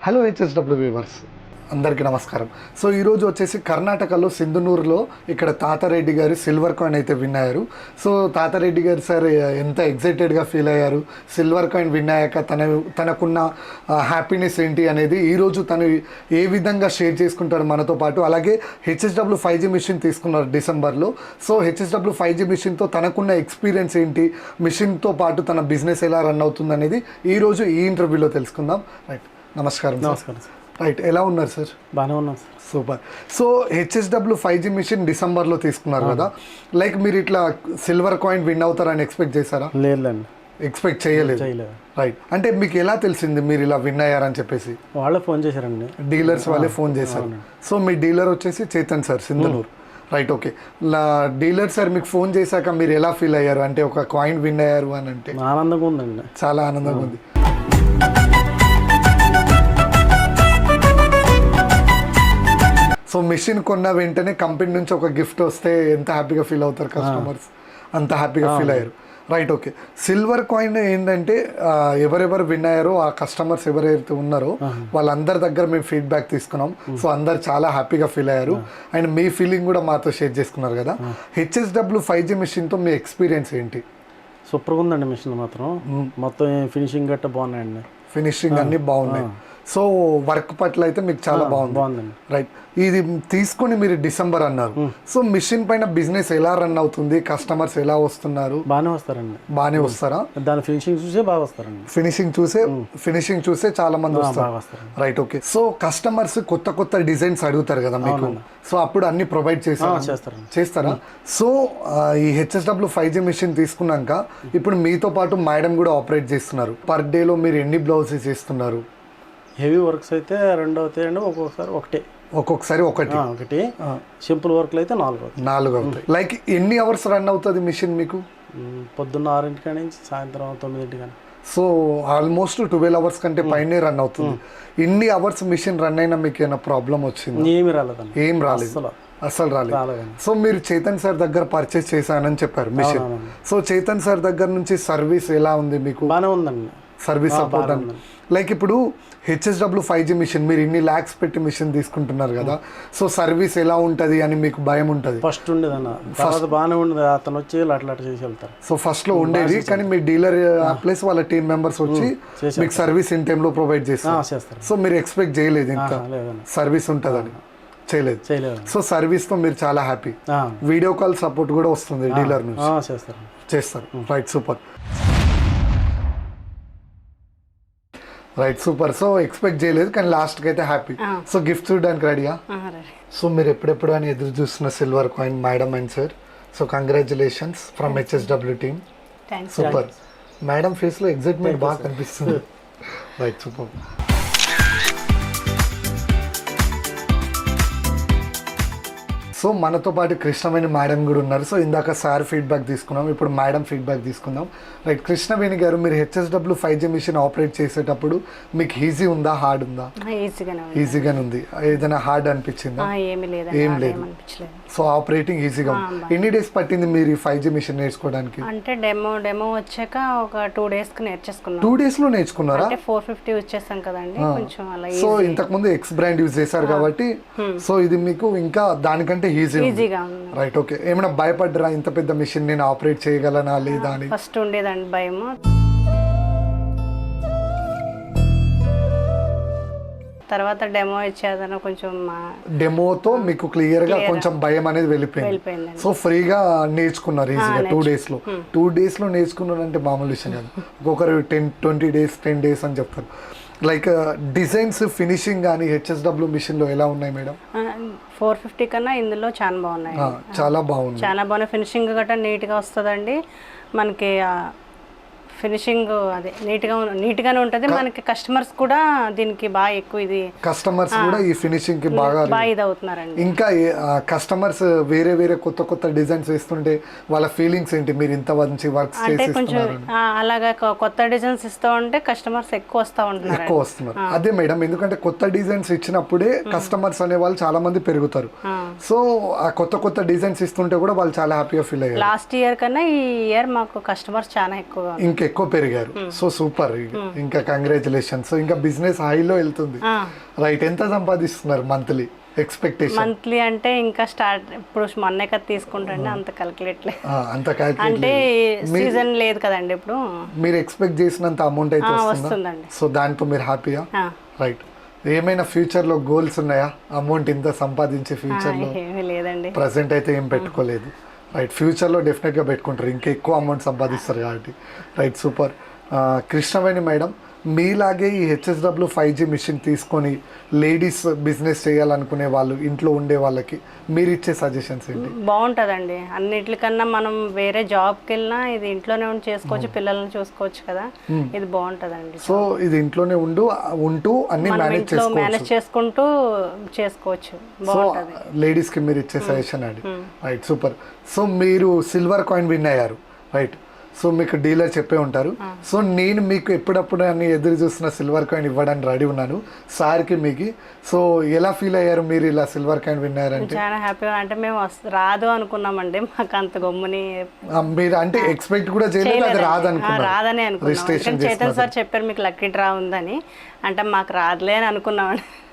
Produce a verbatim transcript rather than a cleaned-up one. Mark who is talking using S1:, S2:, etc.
S1: Hello HSW viewers అందరికీ నమస్కారం. So ఈరోజు వచ్చేసి కర్ణాటకలో సింధునూరులో ఇక్కడ తాతారెడ్డి గారు సిల్వర్ కాయిన్ అయితే విన్ అయ్యారు. సో తాతారెడ్డి గారు సార్ ఎంత ఎగ్జైటెడ్గా ఫీల్ అయ్యారు, సిల్వర్ కాయిన్ విన్ అయ్యాక తన తనకున్న హ్యాపీనెస్ ఏంటి అనేది ఈరోజు తను ఏ విధంగా షేర్ చేసుకుంటారు మనతో పాటు. అలాగే హెచ్ఎస్డబ్ల్యూ ఫైవ్ జీ మిషన్ తీసుకున్నారు డిసెంబర్లో. సో హెచ్ఎస్డబ్ల్యూ ఫైవ్ జీ మిషన్తో తనకున్న ఎక్స్పీరియన్స్ ఏంటి, మిషన్తో పాటు తన బిజినెస్ ఎలా రన్ అవుతుంది అనేది ఈరోజు ఈ ఇంటర్వ్యూలో తెలుసుకుందాం. రైట్, నమస్కారం.
S2: నమస్కారం సార్.
S1: రైట్, ఎలా ఉన్నారు సార్?
S2: బాగానే ఉన్నాం sir.
S1: Super. So HSW five G machine డిసెంబర్లో తీసుకున్నారు కదా, లైక్ మీరు ఇట్లా సిల్వర్ కాయిన్ విన్ అవుతారని ఎక్స్పెక్ట్ చేశారా?
S2: లేదండి,
S1: ఎక్స్పెక్ట్ చేయలేదు.
S2: చేయలేదు.
S1: రైట్, అంటే మీకు ఎలా తెలిసింది మీరు ఇలా విన్ అయ్యారని చెప్పేసి?
S2: వాళ్ళే ఫోన్ చేశారండి,
S1: డీలర్స్ వాళ్ళే ఫోన్ చేశారు. సో మీ డీలర్ వచ్చేసి Chetan sir, Sindhanur. Right, okay. Dealer sir మీకు ఫోన్ చేశాక మీరు ఎలా ఫీల్ అయ్యారు? అంటే ఒక కాయిన్ విన్ అయ్యారు అని అంటే
S2: ఆనందంగా ఉందండి,
S1: చాలా ఆనందంగా ఉంది. సో మిషన్ కొన్న వెంటనే కంపెనీ నుంచి ఒక గిఫ్ట్ వస్తే ఎంత హ్యాపీగా ఫీల్ అవుతారు కస్టమర్స్, అంత హ్యాపీగా ఫీల్ అయ్యారు. Right, okay. సిల్వర్ కాయిన్ ఏంటంటే ఎవరెవరు విన్ అయ్యారో ఆ కస్టమర్స్ ఎవరైతే ఉన్నారో వాళ్ళందరి దగ్గర మేము ఫీడ్బ్యాక్ తీసుకున్నాం. సో అందరు చాలా హ్యాపీగా ఫీల్ అయ్యారు అండ్ మీ ఫీలింగ్ కూడా మాతో షేర్ చేసుకున్నారు కదా. హెచ్ఎస్డబ్ల్యూ ఫైవ్ జీ మిషన్తో మీ ఎక్స్పీరియన్స్ ఏంటి?
S2: సూపర్గా ఉందండి మిషన్ మాత్రం. మొత్తం ఫినిషింగ్ గట్ట బాగున్నాయండి,
S1: ఫినిషింగ్ అన్ని బాగున్నాయి. సో వర్క్ పట్ల అయితే మీకు చాలా బాగుంది.
S2: బాగుందండి.
S1: రైట్, ఇది తీసుకొని మీరు డిసెంబర్ అన్నారు. సో మిషన్ పైన బిజినెస్ ఎలా రన్ అవుతుంది, కస్టమర్స్ ఎలా వస్తున్నారు?
S2: బాగానే వస్తారండి.
S1: బాగానే వస్తారా?
S2: దాని ఫినిషింగ్ చూసే బాగా వస్తారండి.
S1: ఫినిషింగ్ చూసే ఫినిషింగ్ చూసే చాలా మంది వస్తారు.
S2: వస్తారు.
S1: Right, okay. సో కస్టమర్స్ కొత్త కొత్త డిజైన్స్ అడుగుతారు కదా మీకు, సో అప్పుడు అన్ని ప్రొవైడ్ చేస్తారా?
S2: చేస్తారండి.
S1: చేస్తారా? సో ఈ హెచ్ఎస్డబ్ల్యూ ఫైవ్ జీ మిషన్ తీసుకున్నాక ఇప్పుడు మీతో పాటు మేడం కూడా ఆపరేట్ చేస్తున్నారు. పర్ డేలో మీరు ఎన్ని బ్లౌజెస్ చేస్తున్నారు?
S2: హెవీ వర్క్స్ అయితే రెండు అవుతాయండి, ఒక్కొక్కసారి ఒకటే,
S1: ఒక్కొక్కసారి ఒకటి
S2: ఒకటి సింపుల్ వర్క్లు అయితే నాలుగు అవుతాయి.
S1: నాలుగు అవుతాయి. లైక్ ఎన్ని అవర్స్ రన్ అవుతుంది మిషన్ మీకు?
S2: పొద్దున్న ఆరింటికి నుంచి సాయంత్రం తొమ్మిదింటి కానీ.
S1: సో ఆల్మోస్ట్ ట్వెల్వ్ అవర్స్ కంటే పైనే రన్ అవుతుంది. ఇన్ని అవర్స్ మిషన్ రన్ అయినా మీకు ఏమైనా ప్రాబ్లం వచ్చింది?
S2: ఏమి రాలేదండి,
S1: ఏం రాలేదు, అసలు రాలేదు. సో మీరు చేతన్ సార్ దగ్గర పర్చేస్ చేశానని చెప్పారు మిషన్. సో చేతన్ సార్ దగ్గర నుంచి సర్వీస్ ఎలా ఉంది మీకు?
S2: బాగానే ఉందండి,
S1: సర్వీస్ సపోర్ట్ అని. లైక్ ఇప్పుడు హెచ్ఎస్డబ్ల్యూ ఫైవ్ జీ మిషన్ మీరు ఇన్ని ల్యాక్స్ పెట్టి మిషన్ తీసుకుంటున్నారు కదా, సో సర్వీస్ ఎలా ఉంటుంది అని మీకు భయం ఉంటుంది?
S2: ఫస్ట్ ఉండేది అన్న, ఫస్ట్ బాగానే ఉండేది. అతను వచ్చి అట్లా అట్లా చేసి వెళ్తారు.
S1: సో ఫస్ట్ లో ఉండేది, కానీ మీ డీలర్ ప్లస్ వాళ్ళ టీమ్ మెంబర్స్ వచ్చి మీకు సర్వీస్ ఇన్ టైంలో ప్రొవైడ్ చేస్తారు. సో మీరు ఎక్స్పెక్ట్ చేయలేదు ఇంత సర్వీస్ ఉంటుందని? చేయలేదు. సో సర్వీస్ తో మీరు చాలా హ్యాపీ. వీడియో కాల్ సపోర్ట్ కూడా వస్తుంది డీలర్ నుంచి?
S2: చేస్తారు
S1: చేస్తారు right, super. Right, super. So expect చేయలేదు కానీ లాస్ట్కి అయితే హ్యాపీ. సో గిఫ్ట్ చూడడానికి రెడీయా? సో మీరు ఎప్పుడెప్పుడు అని ఎదురు చూస్తున్న silver coin madam and sir. So congratulations from HSW team. Super. Madam ఫేస్లో ఎగ్జైట్మెంట్ బాగా కనిపిస్తుంది. Right, super. సో మనతో పాటు కృష్ణవేణి మేడం కూడా ఉన్నారు. సో ఇందాక సార్ ఫీడ్బ్యాక్ తీసుకున్నాం, ఇప్పుడు మేడం ఫీడ్బ్యాక్ తీసుకుందాం. రైట్, కృష్ణవేణి గారు మీరు HSW five G machine operate చేసేటప్పుడు మీకు ఈజీ ఉందా, హార్డ్ ఉందా? ఈజీగానే ఉంది. ఏదైనా హార్డ్ అనిపించిందా? ఏం లేదు. సో ఆపరేటింగ్ ఈజీగా ఉంది. ఎన్ని డేస్ పట్టింది మీరు ఈ ఫైవ్ జీ మిషన్ నేర్చుకోవడానికి?
S3: అంటే డెమో డెమో వచ్చాక ఒక టూ డేస్ కి నేర్చేసుకున్నాం.
S1: టూ డేస్ లో నేర్చుకున్నారా?
S3: అంటే ఫోర్ ఫిఫ్టీ వచ్చేసాం కదండి, కొంచెం అలా.
S1: సో ఇంతకు ముందు ఎక్స్ బ్రాండ్ యూజ్ చేశారు కాబట్టి సో ఇది మీకు ఇంకా దానికంటే ఈజీగా ఉంది. Right, okay. ఏమైనా భయపడ్డరా ఇంత పెద్ద మిషన్ నేను ఆపరేట్ చేయగలనా లేదా అని?
S3: ఫస్ట్ ఉండేదండి భయము. తర్వాత డెమో ఇచ్చేదన కొంచెం
S1: డెమోతో మీకు క్లియర్ గా కొంచెం భయం అనేది వెళ్ళిపోయింది. సో ఫ్రీగా నేర్చుకున్నారు ఈజీగా టూ డేస్ లో. టూ డేస్ లో నేర్చుకున్నారు అంటే మామూలు విషయం కాదు. ఒక్కొక్కరు ten twenty days ten days అని చెప్తారు. లైక్ డిజైన్స్ ఫినిషింగ్ కానీ హెచ్ఎస్డబ్ల్యూ మిషన్ లో ఎలా ఉన్నాయి మేడం?
S3: ఫోర్ ఫిఫ్టీ కన్నా ఇందులో చాలా బాగున్నాయి.
S1: చాలా బాగుంది, చాలా
S3: బాగున్నాయి. ఫినిషింగ్ గట్రా నీట్ గా వస్తుందండి మనకి. ఫినిషింగ్ అదే నీట్గా నీట్గానే ఉంటుంది మనకి. కస్టమర్స్ కూడా దీనికి బాగా ఎక్కువ ఇది
S1: కస్టమర్స్ కూడా ఈ ఫినిషింగ్ కి బాగా
S3: బాగా ఇది అవుతున్నారండి.
S1: ఇంకా కస్టమర్స్ వేరే వేరే కొత్త కొత్త డిజైన్స్ వేస్తుంటే వాళ్ళ ఫీలింగ్స్ ఏంటి? మీరు ఇంత మంచి వర్క్స్
S3: అంటే కొంచెం అలాగా కొత్త డిజైన్స్ ఇస్తూ ఉంటే కస్టమర్స్ ఎక్కువ వస్తూ ఉంటున్నారు,
S1: ఎక్కువ వస్తున్నారు. అదే మేడం, ఎందుకంటే కొత్త డిజైన్స్ ఇచ్చినప్పుడే కస్టమర్స్ అనే వాళ్ళు చాలా మంది పెరుగుతారు. సో ఆ కొత్త కొత్త డిజైన్స్ ఇస్తుంటే కూడా వాళ్ళు చాలా హ్యాపీగా ఫీల్ అయ్యారు.
S3: లాస్ట్ ఇయర్ కన్నా ఈ ఇయర్ మాకు కస్టమర్స్ చాలా ఎక్కువ
S1: ఇంకా ఎక్కువ పెరిగారు. సో సూపర్, ఇంకా కంగ్రాచులేషన్స్. ఇంకా బిజినెస్ హైలో వెళ్తుంది. రైట్, ఎంత సంపాదిస్తున్నారు మంత్లీ ఎక్స్పెక్టేషన్?
S3: మంత్లీ అంటే ఇంకా స్టార్ట్ ఇప్పుడు మొన్నే కదా తీసుకుంటండి, అంత క్యాలిక్యులేట్ లేదు.
S1: అంత
S3: అంటే
S1: క్యాలిక్యులేట్
S3: సీజన్ లేదు కదండి ఇప్పుడు.
S1: మీరు ఎక్స్పెక్ట్ చేసినంత అమౌంట్ అయితే వస్తుందా?
S3: వస్తుందండి.
S1: సో దాంతో మీరు హ్యాపీయా?
S3: ఆ,
S1: రైట్. ఏమైనా ఫ్యూచర్ లో గోల్స్ ఉన్నాయా? అమౌంట్ ఇంత సంపాదించే ఫ్యూచర్ లో?
S3: ఏమీ లేదండి.
S1: ప్రజెంట్ అయితే ఏం పెట్టుకోలేదు. రైట్, ఫ్యూచర్లో డెఫినెట్గా పెట్టుకుంటారు, ఇంకా ఎక్కువ అమౌంట్ సంపాదిస్తారు కాబట్టి. Right, super. కృష్ణవేణి మేడం, మీలాగే ఈ హెచ్ఎస్డబ్ల్యూ ఫైవ్ జీ మిషన్ తీసుకొని లేడీస్ బిజినెస్ చేయాలనుకునే వాళ్ళు, ఇంట్లో ఉండే వాళ్ళకి మీరు ఇచ్చే సజెషన్స్ ఏంటి?
S3: బాగుంటుందండి. అన్నిటికన్నా మనం వేరే జాబ్కి వెళ్ళినా ఇది ఇంట్లోనే ఉండి చేసుకోవచ్చు, పిల్లల్ని చూసుకోవచ్చు కదా, ఇది బాగుంటుందండి.
S1: సో ఇది ఇంట్లోనే ఉండు ఉంటూ అన్ని
S3: మనం
S1: మేనేజ్
S3: ఇంట్లో
S1: చేసుకోవచ్చు.
S3: మేనేజ్ చేసుకుంటూ చేసుకోవచ్చు,
S1: సో
S3: బాగుంటుంది.
S1: లేడీస్కి మీరు ఇచ్చే సజెషన్ అండి. Right, super. సో మీరు సిల్వర్ కాయిన్ విన్ అయ్యారు. రైట్, సో మీకు డీలర్ చెప్పే ఉంటారు. సో నేను మీకు ఎప్పుడప్పుడు అని ఎదురు చూస్తున్న సిల్వర్ కాయిన్ ఇవ్వడానికి రెడీ ఉన్నాను సార్కి మీకు. సో ఎలా ఫీల్ అయ్యారు మీరు ఇలా సిల్వర్ కాయిన్ విన్ అయ్యారంటే?
S3: చాలా హ్యాపీగా, అంటే మేము వస్త- రాదు అనుకున్నామండి, మాకు అంత గమ్ముని
S1: ఆ, మీరు అంటే ఎక్స్పెక్ట్ కూడా చేయలేదు, అది రాదు
S3: ఆ,
S1: అనుకున్నారు.
S3: రాదని అనుకున్నాం.
S1: రిజిస్ట్రేషన్
S3: చైతన్ సార్ చెప్పారు మీకు లక్కీ డ్రా ఉందని, అంటే మాకు రాదులే అని అనుకున్నామండి.